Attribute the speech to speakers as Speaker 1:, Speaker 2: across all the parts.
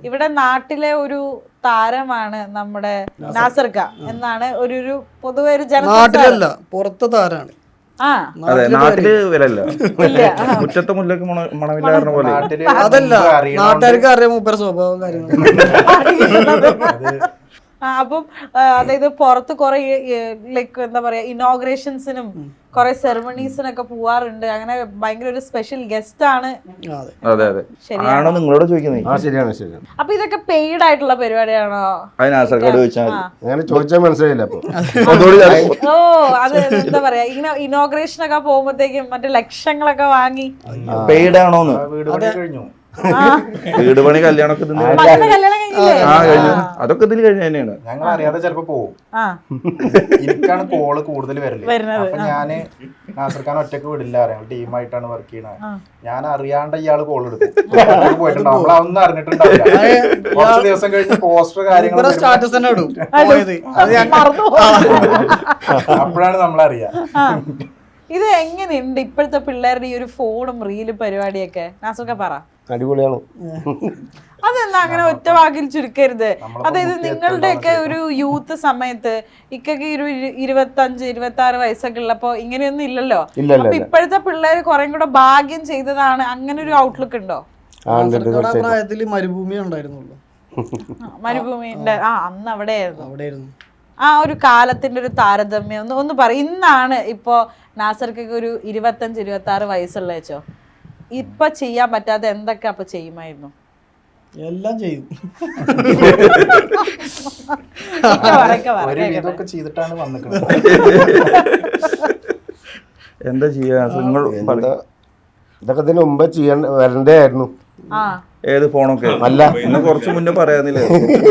Speaker 1: ഇവിടെ നാട്ടിലെ ഒരു താരമാണ് നമ്മുടെ നാസർക്ക എന്നാണ് ഒരു പൊതുവെ ഒരു
Speaker 2: നാട്ടിലല്ല പുറത്തെ താരാണ്.
Speaker 3: അതെ, നാട്ടില് വരല്ല, മുറ്റത്തെ മുല്ലക്ക് മണമില്ലായിരുന്ന പോലെ.
Speaker 2: അതല്ല, നാട്ടുകാർക്ക് അറിയാം മൂപ്പര സ്വഭാവം കാര്യങ്ങളും.
Speaker 1: അപ്പം അതായത് പുറത്ത് കുറെ ലൈക്ക് എന്താ പറയാ ഇനോഗ്രേഷൻസിനും കുറെ സെറമണീസിനൊക്കെ പോവാറുണ്ട്. അങ്ങനെ ഭയങ്കര ഒരു സ്പെഷ്യൽ ഗസ്റ്റ് ആണ്.
Speaker 3: അതെ അതെ, ആണോ നിങ്ങളോട് ചോദിക്കുന്നത്?
Speaker 4: ശരിയാണ് ശരിയാണ്.
Speaker 1: അപ്പൊ ഇതൊക്കെ പെയ്ഡ് ആയിട്ടുള്ള പരിപാടിയാണോ?
Speaker 3: അതിനാസർക്കാട് ചോദിച്ചാൽ
Speaker 4: അങ്ങനെ ചോദിച്ചാൽ മനസ്സിലായില്ല. അപ്പൊ
Speaker 1: ഓ, അത് എന്താ പറയാ ഇങ്ങനെ ഇനോഗ്രേഷൻ ഒക്കെ പോകുമ്പോഴത്തേക്കും മറ്റേ ലക്ഷങ്ങളൊക്കെ വാങ്ങി
Speaker 3: പെയ്ഡ് ആണോന്ന്. വീട് പണി കല്യാണമൊക്കെ കഴിഞ്ഞു, അതൊക്കെ ഇതിൽ കഴിഞ്ഞ തന്നെയാണ്.
Speaker 5: ഞങ്ങൾ അറിയാതെ ചിലപ്പോ പോകും. എനിക്കാണ് കോള് കൂടുതൽ വരുന്നത്. അപ്പൊ ഞാന് നാസർഖാൻ ഒറ്റക്ക് വിടില്ല, അറിയാം ടീമായിട്ടാണ് വർക്ക് ചെയ്യണത്. ഞാൻ അറിയാണ്ട് ഇയാള് കോൾ എടുക്കും, പോയിട്ടുണ്ടാവും. നമ്മളതൊന്നും അറിഞ്ഞിട്ടുണ്ടാവില്ല. കുറച്ച് ദിവസം കഴിഞ്ഞ് പോസ്റ്റർ കാര്യങ്ങൾ അപ്പോഴാണ് നമ്മളറിയാ.
Speaker 1: ഇത് എങ്ങനെയുണ്ട് ഇപ്പോഴത്തെ പിള്ളേരുടെ ഈ ഒരു ഫോണും റീലും പരിപാടിയൊക്കെ? നാസർക്ക പറ.
Speaker 4: അടിപൊളിയാണ്.
Speaker 1: അതെന്താ അങ്ങനെ ഒറ്റ വാക്കിൽ ചുരുക്കരുത്? അതായത് നിങ്ങളുടെയൊക്കെ ഒരു യൂത്ത് സമയത്ത് ഇക്കൊക്കെ ഒരു 25-26 വയസ്സൊക്കെ ഉള്ളപ്പോ ഇങ്ങനെയൊന്നും ഇല്ലല്ലോ. അപ്പൊ ഇപ്പോഴത്തെ പിള്ളേര് കുറെ കൂടെ ഭാഗ്യം ചെയ്തതാണ്, അങ്ങനെ ഒരു ഔട്ട്ലുക്ക് ഉണ്ടോ?
Speaker 2: പ്രായത്തില് മരുഭൂമി ഉണ്ടായിരുന്നുള്ളൂ.
Speaker 1: മരുഭൂമിന്റെ അന്ന് അവിടെയായിരുന്നു. ആ ഒരു കാലത്തിന്റെ ഒരു താരതമ്യം ഒന്ന് പറ. ഇന്നാണ് ഇപ്പോ നാസർക്കൊക്കെ ഒരു 25-26 വയസ്സുള്ള വെച്ചോ, ഇപ്പൊ ചെയ്യാൻ പറ്റാതെ എന്തൊക്കെ അപ്പൊ ചെയ്യുമായിരുന്നു?
Speaker 2: എല്ലാം ചെയ്യും.
Speaker 5: ഇതൊക്കെ ചെയ്തിട്ടാണ് വന്നിട്ടുള്ളത്.
Speaker 3: എന്താ ചെയ്യാ?
Speaker 4: ഇതൊക്കെ ഇതിന് മുമ്പ് വരണ്ടേ ആയിരുന്നു.
Speaker 3: ഏത് ഫോണൊക്കെ അല്ല, ഇന്ന് കുറച്ച് മുന്നേ പറയാന്നില്ലേ.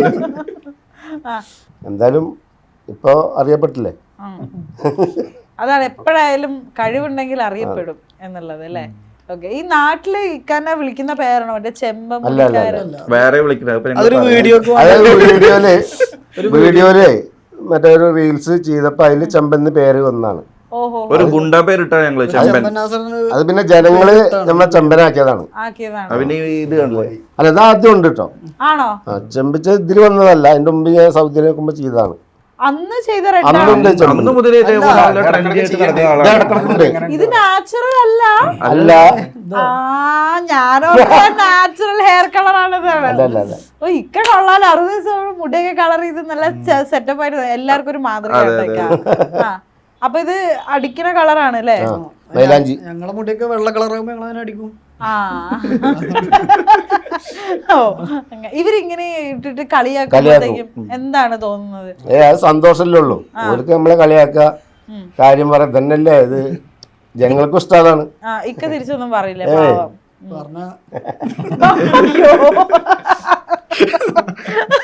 Speaker 4: എന്തായാലും ഇപ്പൊ അറിയപ്പെട്ടില്ലേ.
Speaker 1: അതാണ്, എപ്പോഴായാലും കഴിവുണ്ടെങ്കിൽ അറിയപ്പെടും എന്നുള്ളത് അല്ലേ? ഓക്കെ. ഈ നാട്ടില് ഇക്കാനെ വിളിക്കുന്ന പേരാണോ മറ്റേ ചെമ്പം?
Speaker 3: വേറെ വിളിക്കുന്നത്
Speaker 4: വീഡിയോയില് മറ്റേ ഒരു റീൽസ് ചെയ്തപ്പോ അതില് ചെമ്പന്ന് പേര് വന്നാണ്.
Speaker 3: ഒരു ഗുണ്ട പേരിട്ടാ ഞങ്ങള് ചെമ്പൻ.
Speaker 4: അത് പിന്നെ ജനങ്ങള് നമ്മളെ ചെമ്പനാക്കിയതാണ്.
Speaker 3: പിന്നെ ഇത് കണ്ടല്ലേ,
Speaker 4: അല്ല ഇത് ആദ്യം ഉണ്ട് കേട്ടോ.
Speaker 1: ആണോ?
Speaker 4: ചെമ്പിച്ച ഇതില് വന്നതല്ല, അതിന്റെ മുമ്പ് ഞാൻ സൗദിയിൽ നോക്കുമ്പോ ചെയ്തതാണ്.
Speaker 1: അന്ന് ചെയ്ത
Speaker 3: അന്ന് മുതലേ
Speaker 1: ഇത് നാച്ചുറൽ അല്ല.
Speaker 4: അല്ല,
Speaker 1: ഞാനോ നാച്ചുറൽ ഹെയർ കളർ ആണത്. ഓ, ഇക്ക കൊള്ളാലോ, 60 ദിവസം മുടിയൊക്കെ കളർ ചെയ്ത് നല്ല സെറ്റപ്പ് ആയിട്ട് എല്ലാവർക്കും ഒരു മാതൃക. അപ്പൊ ഇത് അടിക്കുന്ന കളറാണ് അല്ലേ?
Speaker 2: ഞങ്ങളെ മുടിയൊക്കെ വെള്ള കളറാകുമ്പോ ഞങ്ങൾ അതിനെ അടിക്കും.
Speaker 1: ഓ, ഇവരിങ്ങനെ ഇട്ടിട്ട് കളിയാക്കുമ്പോഴത്തേക്കും എന്താണ് തോന്നുന്നത്?
Speaker 4: സന്തോഷല്ലേ ഉള്ളൂ. അവർക്ക് നമ്മളെ കളിയാക്ക കാര്യം പറയാം തന്നെയല്ലേ, ഇത് ജനങ്ങൾക്കും ഇഷ്ടമാണ്.
Speaker 1: ഇക്ക തിരിച്ചൊന്നും പറയില്ലേ പാവം?
Speaker 2: പറഞ്ഞ